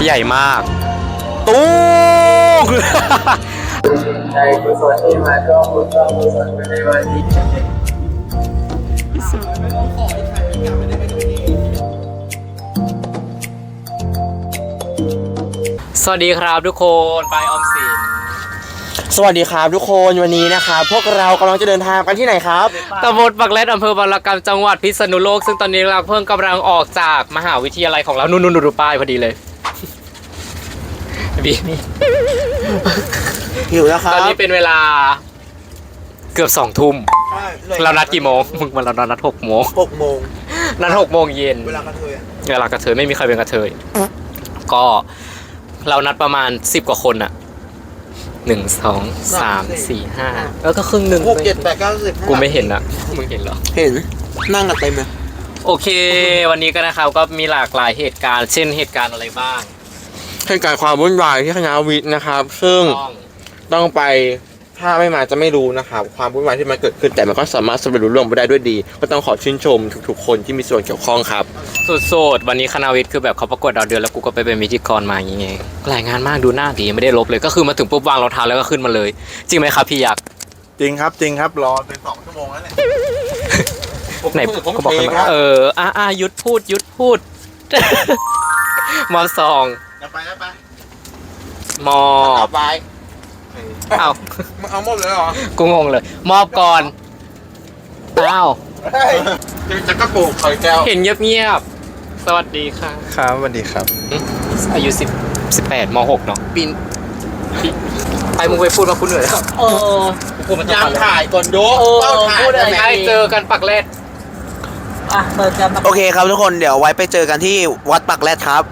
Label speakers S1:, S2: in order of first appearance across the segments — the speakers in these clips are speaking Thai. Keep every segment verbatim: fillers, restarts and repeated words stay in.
S1: ใหญ่มากตู้
S2: ใจกุศลที่มาร่วมบุญร่วมกุศลในวันนี้
S1: สวัสดีครับทุกคนไปออมสินสวัสดีครับทุกคนวันนี้นะครับพวกเรากำลังจะเดินทางกันที่ไหนครับตำบลปักแรดอำเภอบางระกำจังหวัดพิษณุโลกซึ่งตอนนี้เราเพิ่งกำลังออกจากมหาวิทยาลัยของเรานู่นๆดูป้ายพอดีเลยบี
S3: หิวแล้วครับ
S1: ตอนนี้เป็นเวลาเกือบสองทุ่มเรานัดกี่โมงมึงมันเรานัดหกโมง
S3: หกโมง
S1: นัดหกโมงเย็น
S3: เวลากระเทย
S1: เวลากระเทยไม่มีใครเป็นกระเทยก็เรานัดประมาณสิบกว่าคนอะหนึ่งสองสามสี่ห้าแล้วก็ครึ่งหนึ่ง
S3: หกเจ็ดแปดเก้าสิบ
S1: กูไม่เห็นอะมึงเห็นเหรอ
S3: เห็นนั่งกันเต็มเลย
S1: โอเควันนี้ก็นะครับก็มีหลากหลายเหตุการณ์เช่นเหตุการณ์อะไรบ้าง
S3: เหตุการณ์ความวุ่นวายที่คณะวิทย์นะครับซึ่งต้องไปถ้าไม่มาจะไม่รู้นะครับความวุ่นวายที่มันเกิดขึ้นแต่มันก็สามารถสำเร็จรุ่งเรืองไปได้ด้วยดีก็ต้องขอชื่นชมทุกๆคนที่มีส่วนเกี่ยวข้องครับ
S1: สุดๆวันนี้คณะวิทย์คือแบบเขาประกวดดาวเดือนแล้วกูก็ไปเป็นพิธีกรมาอย่างเงี้ยหลายงานมากดูหน้าดีไม่ได้ลบเลยก็คือมาถึงปุ๊บวางรองเท้าแล้วก็ขึ้นมาเลยจริงไหมครับพี่ยักษ์
S3: จริงครับจริงครับรอเป็นสองชั่วโมงแล้วเนี่ย
S1: ไหนก็บอกกันเอออ่ะอ่ะยุดพูดยุดพูดมอสอง
S3: ไปแล้วไป
S1: มอ
S3: ไป
S1: เอา
S3: มึงเอาหมดเลยเหรอ
S1: กูงงเลยมอบก่อนอ้าว
S3: จะกระปุกคอยแก้ว
S1: เห็นเงียบๆสวัสดีค่ะ
S3: ครับสวัสดีครับ
S1: อายุสิบสิบแปดมหกเนาะปีนไปมึงไปพูดมาคุณเหนื่อยแล้วเออ
S3: ยังถ่ายก่อนโยเป้าถ่าย
S1: ได้ไหมเจอกันปักแรด
S3: อ่ะเจอกันโอเคครับทุกคนเดี๋ยวไว้ไปเจอกันที่วัดปักแรดครับ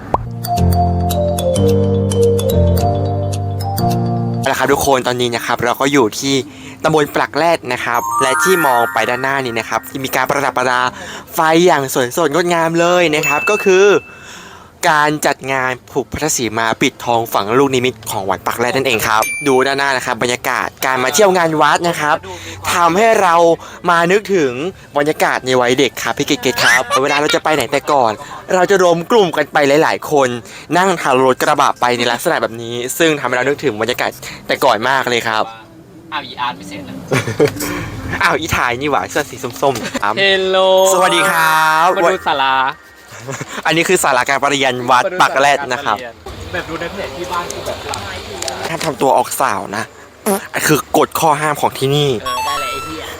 S3: นะครับทุกคนตอนนี้นะครับเราก็อยู่ที่ตำบลปลักแรดนะครับและที่มองไปด้านหน้านี้นะครับที่มีการประดับประดาไฟอย่างสวยสดงดงามเลยนะครับก็คือการจัดงานผูกพัทสีมาปิดทองฝังลูกนิมิตของวัดปักแรดนั่นเองครับดูด้านหน้านะครับบรรยากาศการมาเที่ยวงานวัดนะครับทำให้เรามานึกถึงบรรยากาศในวัยเด็กครับพี่เกศครับเวลาเราจะไปไหนแต่ก่อนเราจะรวมกลุ่มกันไปหลายๆคนนั่งทางรถกระบะไปในลักษณะแบบนี้ซึ่งทำให้เรานึกถึงบรรยากาศแต่ก่อนมากเลยครับ
S1: อ้าวอีอาร์ตไม่เสร็จแล้ว
S3: อ้าวอีถ่ายนี่หว่าเสื้อสีส้มๆครับ
S1: เฮลโล
S3: สวัสดีครับ
S1: มาดูศาลา
S3: อันนี้คือศาลาการประเรียนวัดปักแรดนะครับ
S1: แบบดูในเพจที่บ้านคือแบบ
S3: ห้ามทำตัวออกสาวนะคือกฎข้อห้ามของที่นี่
S1: เออได้เลยไอ้เหี้ย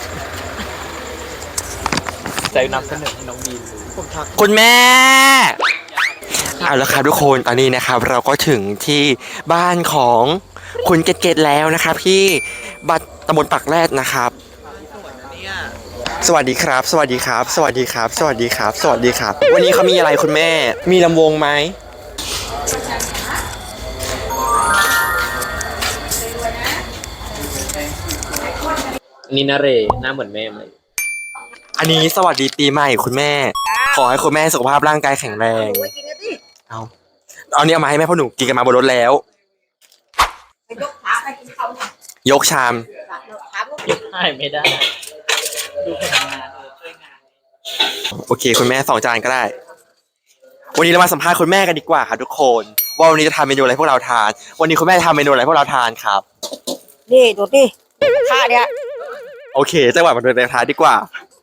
S1: ใจนำเสนอน้องบีน
S3: คุณแม่เอาละครับทุกคนตอนนี้นะครับเราก็ถึงที่บ้านของคุณเกตๆแล้วนะครับที่บัดตำบลปักแรดนะครับสวัสดีครับสวัสดีครับสวัสดีครับสวัสดีครับสวัสดีครับวันนี้เขามีอะไรคุณแม่มีลำวงไหม
S1: นี่นาเรหน้าเหมือนแม่ไหม
S3: อันนี้สวัสดีปีใหม่คุณแม่ขอให้คุณแม่สุขภาพร่างกายแข็งแรงเอาเอาเนี่ยมาให้แม่พ่อหนูกินกันมาบนรถแล้วยกชาม
S1: ยกให้ไม่ได้ดูผลงานช่วยงาน
S3: โอเคคุณแม่สองจานก็ได้วันนี้เรามาสัมภาษณ์คุณแม่กันดีกว่าค่ะทุกคนว่าวันนี้จะทำเมนูอะไรพวกเราทานวันนี้คุณแม่จะทำเมนูอะไรพวกเราทานครับ
S4: นี่ดูดิท่าเนี้ย
S3: โอเคจังหวะมาดูในท้ายดีกว่า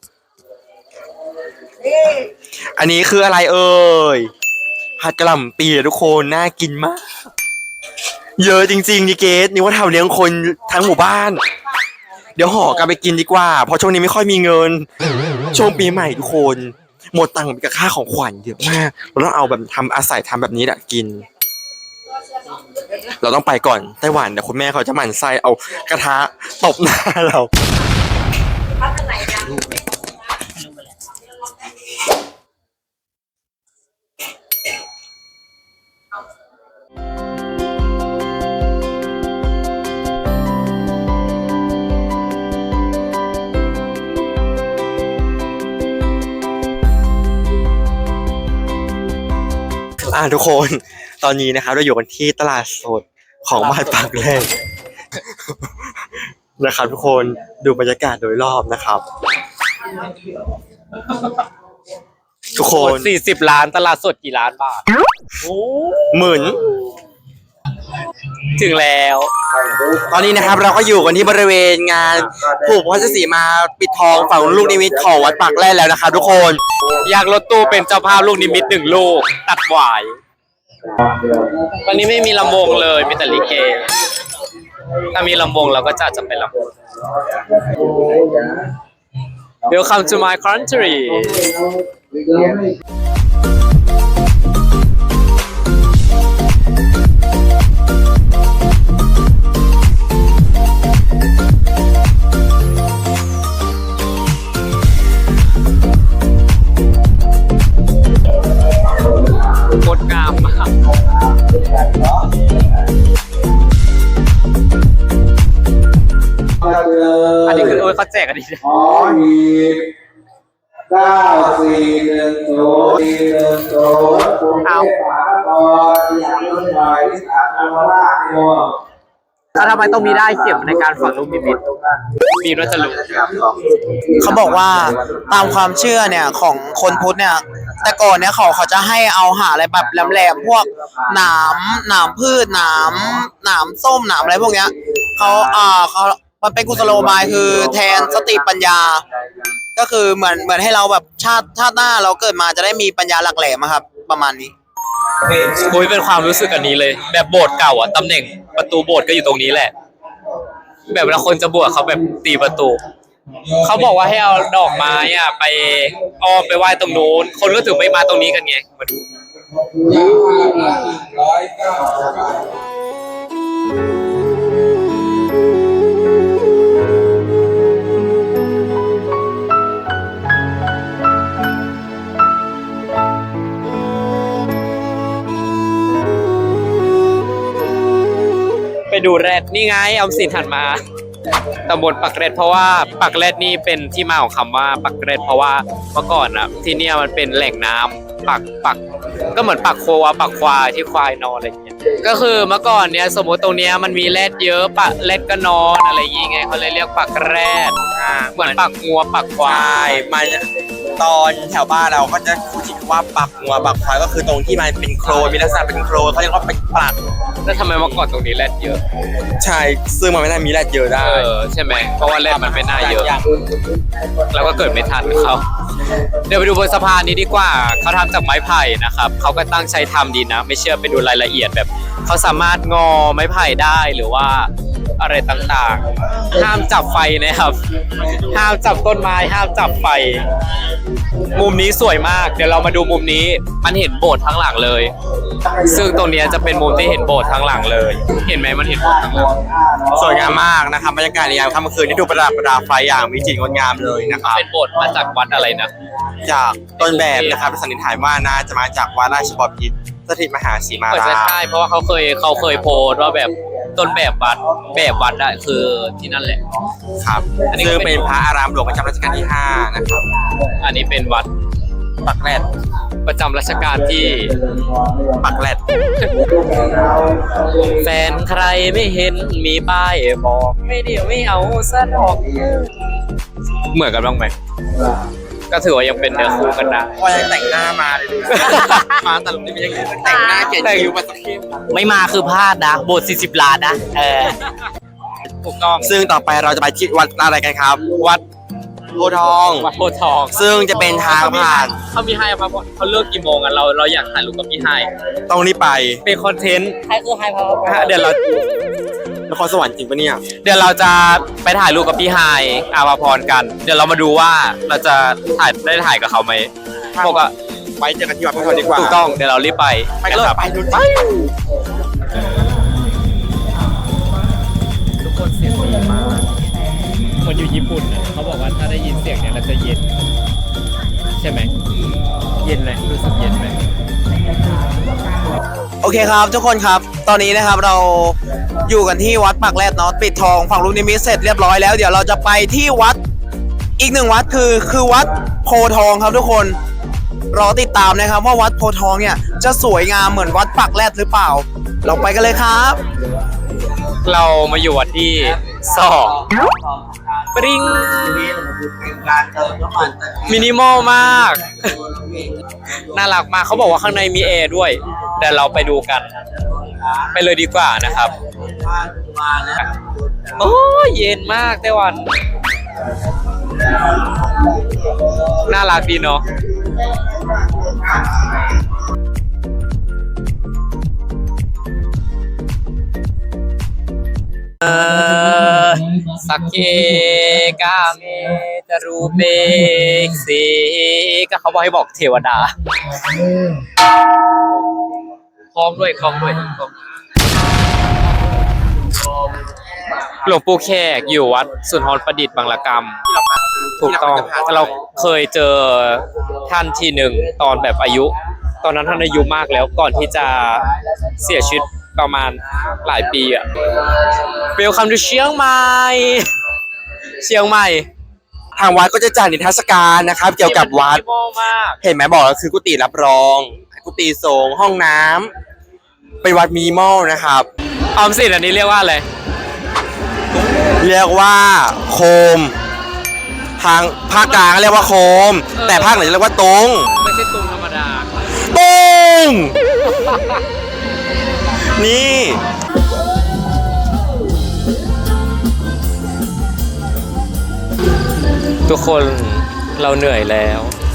S3: อันนี้คืออะไรเอ่ยผัดกะหล่ำปีทุกคนน่ากินมากเยอะจริงๆดิเกสนี่ว่าทำเลี้ยงคนทั้งหมู่บ้านเดี๋ยวห่อกลับไปกินดีกว่าเพราะช่วงนี้ไม่ค่อยมีเงินช่วงปีใหม่ทุกคนหมดตังค์กับค่าของขวัญเยอะมากเราต้องเอาแบบทำอาศัยทำแบบนี้แหละกินเราต้องไปก่อนไต้หวันเดี๋ยวคุณแม่เขาจะหมั่นไส้เอากระทะตบหน้าเราอ่าทุกคนตอนนี้นะครับเราอยู่กันที่ตลาดสดของบ้านปากแรดนะครับทุกคนดูบรรยากาศโดยรอบนะครับทุกคน
S1: สี่สิบล้านตลาดสดกี่ล้านบาท
S3: หมื่น
S1: ถึงแล้ว
S3: ตอนนี้นะครับเราก็อยู่กันที่บริเวณงานผูกพระศรีมาปิดทองฝั่งลูกนิมิตของวัดปากแร่แล้วนะครับทุกคน
S1: อยากรถตู้เป็นเจ้าภาพลูกนิมิตหนึ่งลูก ตัดหวายวันนี้ไม่มีลำวงเลยมีแต่ลิเก ถ้ามีลำวงเราก็จะจะไปลำวง Welcome to my country งดงามมากอันนี้คือโอ้ยเขาแจกอันนี้
S2: ขอหีบเก้าสี่หนึ่งศูนย์สี่หนึ่งศูนย์กรุงเทพมหานครอย่างต้นไม้ที่สาธารณรัฐโย
S1: แล้วทำไมต้องมีได้เข็มในการฝังลูกนิมิตมีรัชลุ
S5: เขาบอกว่าตามความเชื่อเนี่ยของคนพุทธเนี่ยแต่ก่อนเนี่ยเขาเขาจะให้เอาหาอะไรแบบแหลมๆพวกหนามหนามพืชหนามหนามส้มหนามอะไรพวกเนี้ยเขาอ่าเขามันเป็นกุศโลบายคือแทนสติปัญญา ก็คือเหมือนเหมือนให้เราแบบชาติชาติหน้าเราเกิดมาจะได้มีปัญญาหลักแหลมอะครับประมาณนี้
S1: โอ้ยเป็นความรู้สึกอันนี้เลย แบบโบสถ์เก่าอ่ะตำแหน่งประตูโบสถ์ก็อยู่ตรงนี้แหละ แบบเวลาคนจะบวชเขาแบบตีประตู เขาบอกว่าให้เอาดอกไม้อ่ะไปอ้อมไปไหว้ตรงนู้นคนก็ถึงไม่มาตรงนี้กันไงมาดู
S2: ร้อยเก้า
S1: ไปดูแรดนี่ไงออมสินหันมาตำบลปักเกร็ดเพราะว่าปักเกร็ดนี่เป็นที่มาของคำว่าปักเกร็ดเพราะว่าเมื่อก่อนอ่ะที่เนี่ยมันเป็นแหล่งน้ำปักปักก็เหมือนปักโควาปักควายที่ควายนอนอะไรอย่างเงี้ยก็คือเมื่อก่อนเนี้ยสมมติตรงเนี้ยมันมีแรดเยอะปะแรดก็นอนอะไรอย่างเงี้ยเขาเลยเรียกปักแรดเหมือนปักงัวปักควา
S3: ใช่
S1: ย
S3: มันตอนแถวบ้านเราก็จะพูดถึงว่าปักงัวปักควายก็คือตรงที่มันเป็นโคลนมีลักษณะเป็นโคลนเขาเรียกว่าเป็นปัก
S1: แล้วทำไมเมื่อก่อนตรงนี้แรดเยอะ
S3: ใช่ซึ่งมันไม่ได้มีแรดเยอะได้
S1: เออใช่ไหมเพราะว่าแรดมันไม่น่าเยอะ เราก็เกิดไม่ทันเขาเดี๋ยวไปดูบนสะพานนี้ดีกว่าเขาทำจากไม้ไผ่นะครับเขาก็ตั้งใจทำดีนะ ไม่เชื่อไปดูรายละเอียดแบบเขาสามารถงอไม้ไผ่ได้หรือว่าอะไรต่างๆ ห้ามจับไฟนะครับ ห้ามจับต้นไม้ห้ามจับไฟ มุมนี้สวยมากเดี๋ยวเรามาดูมุมนี้มันเห็นโบสถ์ทั้งหลังเลย ซึ่งตรงเนี้ยจะเป็นมุมที่เห็นโบสถ์ทั้งหลังเลย เห็นไหมมันเห็นโบสถ์ทั้งหลัง
S3: สวยงามมากนะครับบรรยากาศในยามค่ำคืนที่ดูประดับประดาไฟอย่างวิจิตรงดงามเลยนะครับ
S1: เป็นโบสถ์มาจากวัดอะไรนะ
S3: จากต้นแบบนะครับสันนิษฐานว่าน่าจะมาจากวัดราชบพิตรสถิตมหาสีมา
S1: เปิด
S3: รา
S1: ใช่เพราะว่าเขาเคยเขาเคยโพสต์ว่าแบบต้นแบบวัดแบบวัดอะคือที่นั่นแหละ
S3: ครับ
S1: อันนี้ก็
S3: ซึ่ง
S1: เป็น
S3: เป็นพระอารามหลวงประจำรัชกาลที่ห้านะครับ
S1: อันนี้เป็นวัด
S3: ปักแรด
S1: ประจำรัชกาลที่
S3: ปักแรด
S1: แฟนใครไม่เห็นมีป้ายบอกไม่เดี๋ยวไม่เอาซะดอกเหมือนกันบ้างไหมก็ถือว่ายังเป็นเนื้อคู่กันนะ
S3: พอยังแต่งหน้ามาเลยนะมาแต่ลุงนี่มันยังแต่งหน้าเขียนคิ้วมาสักที
S5: ไม่มาคือพลาดนะโบสถ์สี่สิบล้านนะเออ
S1: ถูกต้อง
S3: ซึ่งต่อไปเราจะไปที่วัดอะไรกันครับ วัดโพธิ์ทอง
S1: วัดโพธิ์ทอง
S3: ซึ่งจะเป็นทางผ่าน
S1: เขามีให้ครับเขาเลิกกี่โมงอ่ะเราเราอยากถ่ายรูปกับพี่ไฮ
S3: ต้องรีบไป
S1: เป็นคอนเทนต์
S5: ใครคือไฮพาวเวอร์
S1: เดี๋ยวเรา
S3: นครสวรรค์จริงปะเนี่ย
S1: เดี๋ยวเราจะไปถ่ายรูปกับพี่ไฮอาภาพรกัน เดี๋ยวเรามาดูว่าเราจะถ่ายได้ถ่ายกับเขาไหมบอกว่า
S3: ไว้เจอกันที่วัดโพธิ์ทองดีกว่า
S1: ถูกต้องเดี๋ยวเรารีบไป
S3: ไปกันเลย
S1: นะครับ
S3: ไปดูไป
S1: ทุกคนเสียงดีมากคนอยู่ญี่ปุ่นน่ะเขาบอกว่าถ้าได้ยินเสียงเนี่ยเราจะเย็น ใช่ไหมเย็นไหมรู้สึกเย็นไหม
S5: โอเคครับทุกคนครับ ตอนนี้นะครับเราอยู่กันที่วัดปากแรดเนาะปิดทองฝั่งลูกนิมิตเสร็จเรียบร้อยแล้วเดี๋ยวเราจะไปที่วัดอีกหนึ่งวัดคือคือวัดโพธิ์ทองครับทุกคนรอติดตามนะครับว่าวัดโพธิ์ทองเนี่ยจะสวยงามเหมือนวัดปากแรดหรือเปล่า เราไปกันเลยครับ
S1: เรามาอยู่วัดที่สองปริง
S2: เป็นการเติมน้ำมัน
S1: มินิมอลมาก น่ารักมากเขาบอกว่าข้างในมีแอร์ด้วยเดี๋ยวเราไปดูกัน ไปเลยดีกว่านะครับ
S2: มาแล้ว
S1: โอ้ยเย็นมากไต้หวัน น่ารักดีเนาะเออสักเคกาเมจารูเบกเซก็เขาบอกให้บอกเทวดาคล้องด้วยคล้องด้วยคล้องหลวงปู่แขกอยู่วัดสุนทรประดิษฐ์บางละกำถูกต้องเราเคยเจอท่านทีหนึ่งตอนแบบอายุ ตอนนั้นท่านอายุมากแล้วก่อนที่จะเสียชีวิตประมาณหลายปีอะเวลคัมทูเชียงใหม่เชียงใหม่
S3: ทางวัดก็จะจัดนิทรรศการนะครับ เกี่ยวกับวัด
S1: มินิมอลมาก
S3: เห็นไหมบอกแล้วคือกุฏิรับรอง กุฏิสงฆ์ห้องน้ำเป็นวัดมินิมอลนะครับ
S1: ออมสินอันนี้เรียกว่าอะไร
S3: เรียกว่าโคม ทางภาคกลางเรียกว่าโคม
S1: เออ
S3: แต่ภาคเหนือเรียกว่าตุง
S1: ไม่ใช่ตุงธรรมดา
S3: ตุงนี่
S1: ทุกคนเราเหนื่อยแล้ว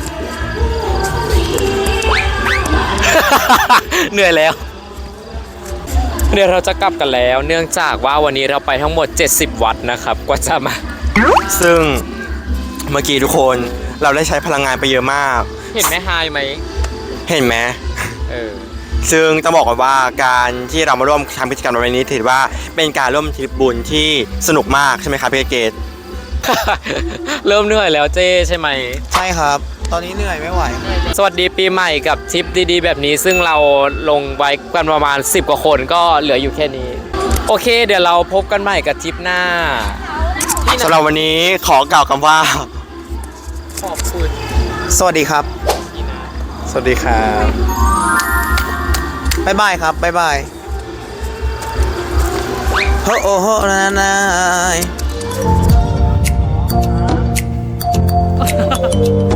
S1: เหนื่อยแล้ว เดี๋ยวเราจะกลับกันแล้ว เนื่องจากว่าวันนี้เราไปทั้งหมดเจ็ดสิบวัดนะครับกว่าจะมา
S3: ซึ่งเมื่อกี้ทุกคนเราได้ใช้พลังงานไปเยอะมาก
S1: เห็นแม่ไฮไหม
S3: เห็นไหม
S1: เออ
S3: ซึ่งต้องบอกก่อนว่าการที่เรามาร่วมทำกิจกรรมในวันนี้ถือว่าเป็นการร่วมทริปบุญที่สนุกมากใช่ไหมครับพี่เกต
S1: เริ่มเหนื่อยแล้วเจ้ใช่ไหม
S5: ใช่ครับ ตอนนี้เหนื่อยไม่ไหว
S1: สวัสดีปีใหม่กับทริปดีๆแบบนี้ซึ่งเราลงไว้กันประมาณสิบกว่าคนก็เหลืออยู่แค่นี้ โอเค เดี๋ยวเราพบกันใหม่กับทริปหน้า
S3: สำหรับวันนี้ขอกล่าวคำว่า
S1: ขอบคุณ
S5: สวัสดีครับ
S1: สวัสดีครับ
S5: บ๊ายบายครับ บ๊ายบายโฮโอโฮนานาย